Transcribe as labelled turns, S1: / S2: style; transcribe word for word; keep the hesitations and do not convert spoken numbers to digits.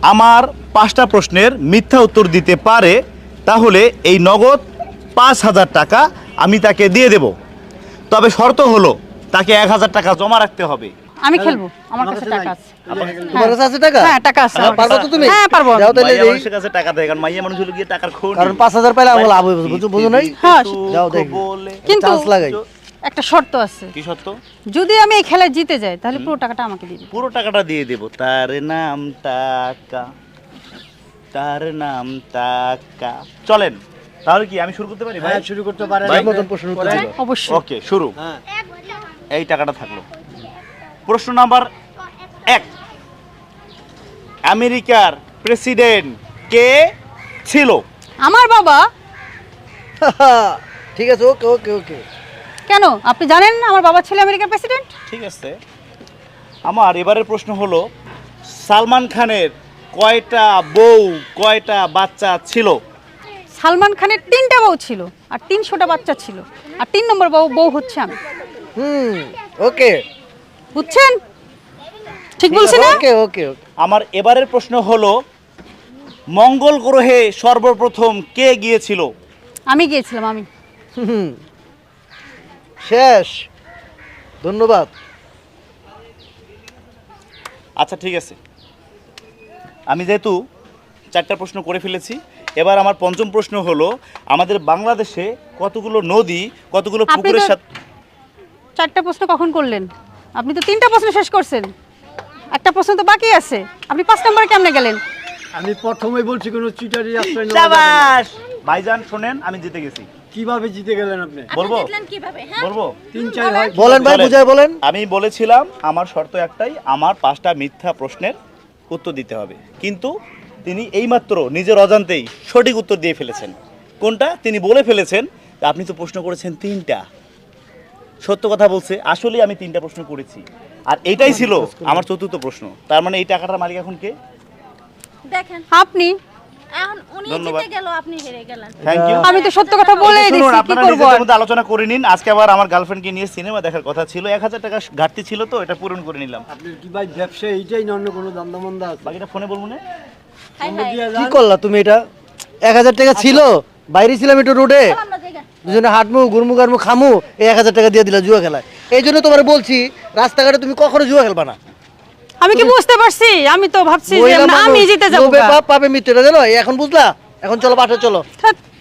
S1: আমার পাঁচটা প্রশ্নের মিথ্যা উত্তর দিতে পারে তাহলে এই নগদ পাঁচ হাজার টাকা আমি তাকে দিয়ে দেব। তবে শর্ত হলো তাকে এক হাজার টাকা জমা রাখতে হবে।
S2: আমি খেলবো, আমার কাছে টাকা আছে।
S3: তোমার কাছে আছে টাকা?
S2: হ্যাঁ টাকা আছে।
S3: হ্যাঁ, পারবো তো তুমি?
S2: হ্যাঁ পারবো।
S3: যাও তাহলে
S1: মাইয়া
S3: দেই।
S1: মানুষের কাছে টাকা দেয়, কারণ মাইয়া মানুষ হলো গিয়ে টাকার খনি।
S3: কারণ পাঁচ হাজার পাইলে আমার লাভ হইবে, বুঝছো বুঝো নাই?
S2: হ্যাঁ,
S3: যাও দেখি।
S2: কিন্তু
S3: চান্স লাগাই।
S2: একটা শর্ত আছে,
S1: কি সত্য?
S2: যদি আমি এই খেলায় জিতে যাই তাহলে পুরো টাকাটা আমাকে দিয়ে দিবে।
S1: পুরো টাকাটা দিয়ে দেব। তার নাম টাকা, তার নাম টাকা। চলেন তাহলে কি আমি শুরু করতে পারি ভাই?
S4: হ্যাঁ শুরু করতে পারেন।
S1: ভাই,
S3: মতন প্রশ্ন উত্তর দিল।
S2: অবশ্যই।
S1: ওকে শুরু।
S4: হ্যাঁ
S1: এই টাকাটা থাকলো। প্রশ্ন নাম্বার এক, আমেরিকার প্রেসিডেন্ট কে ছিল?
S2: আমার বাবা।
S3: ঠিক আছে, ওকে ওকে ওকে।
S2: কেন আপনি জানেন আমার বাবা ছিল আমেরিকার প্রেসিডেন্ট?
S1: ঠিক আছে। আমার এবারের প্রশ্ন হলো, সালমান খানের কয়টা বউ কয়টা বাচ্চা ছিল?
S2: সালমান খানের তিনটা বউ ছিল আর তিনশোটা বাচ্চা ছিল, আর তিন নম্বর বউ বউ হচ্ছে আমি।
S3: হুম ওকে।
S2: বুঝছেন? ঠিক বলছি না?
S3: ওকে ওকে ওকে।
S1: আমার এবারের প্রশ্ন হলো, মঙ্গল গ্রহে সর্বপ্রথম কে গিয়েছিল?
S2: আমি গিয়েছিলাম, আমি।
S3: হুম শেষ। ধন্যবাদ।
S1: আচ্ছা ঠিক আছে, আমি যেহেতু চারটা প্রশ্ন করে ফেলেছি, এবার আমার পঞ্চম প্রশ্ন হলো, আমাদের বাংলাদেশে কতগুলো নদী কতগুলো
S2: আপনি
S1: পুকুরের
S2: তো-
S1: সাথে?
S2: চারটা প্রশ্ন কখন করলেন? আপনি তো তিনটা প্রশ্ন শেষ করছেন, একটা প্রশ্ন তো বাকি আছে। আপনি পাঁচ নম্বরে কেমনে গেলেন?
S4: আমি প্রথমেই বলছি কোনো চিটারি আশ্রয় নেওয়া যাবে না।
S1: শাবাশ ভাইজান, শোনেন আমি জিতে গেছি।
S4: কিভাবে জিতে গেলেন আপনি?
S1: বলবো
S2: কিভাবে?
S1: বলবো
S4: তিন চার হয়।
S3: বলেন ভাই,
S1: চলেন।
S3: বুঝায় বলেন।
S1: আমি বলেছিলাম আমার শর্ত একটাই, আমার পাঁচটা মিথ্যা প্রশ্নের উত্তর দিতে হবে, কিন্তু তিনি এইমাত্র নিজের অজান্তেই সঠিক উত্তর দিয়ে ফেলেছেন। কোনটা? তিনি বলে ফেলেছেন যে আপনি তো প্রশ্ন করেছেন তিনটা। সত্য কথা বলছে, আসলে আমি তিনটা প্রশ্ন করেছি, আর এটাই ছিল আমার চতুর্থ প্রশ্ন। তার মানে এই টাকাটার মালিক এখন কে?
S5: দেখেন
S2: আপনি।
S5: এখন উনি
S1: ধন্যবাদ।
S5: জিতে গেল, আপনি হেরে গেলেন।
S1: Thank you.
S2: আমি তো সত্য কথা বলেই দিছি, কি
S1: আপনারা
S2: করব?
S1: নিজেদের মধ্যে আলোচনা করে নিন। আজকে আবার আমার গার্লফ্রেন্ডকে নিয়ে সিনেমা দেখার কথা ছিল, এক হাজার টাকা ঘাটতি ছিল, তো এটা পূরণ করে নিলাম।
S4: আপনার কি ভাই ব্যবসা এইটাই না অন্য কোনো দান্দা আছে?
S1: বাকিটা ফোনে বলবো না।
S5: হাই
S4: আমরা
S5: হাই
S4: দিয়ে
S3: কি
S4: যান।
S3: করলা তুমি এটা? এক হাজার টাকা ছিল, বাইরে ছিলাম একটু রোডে,
S5: আমরা জায়গা
S3: দুজনে হাঁটমু গুরমু গারমু খামু, এই এক হাজার টাকা দিয়ে দিলা জুয়া খেলায়। এই জন্য তোমার বলছি রাস্তাঘাটে তুমি কখনো জুয়া খেলবা না।
S2: আমি কি বুঝতে পারছি? আমি তো ভাবছি যে
S3: মহিলা
S2: না,
S3: মানুষ,
S2: আমি জিতে যাবো।
S3: লোভে পাপ পাবে মৃত্যু, এটা জানো? এখন বুঝলা? এখন চলো বাসা চলো।
S2: ধ্যাৎ।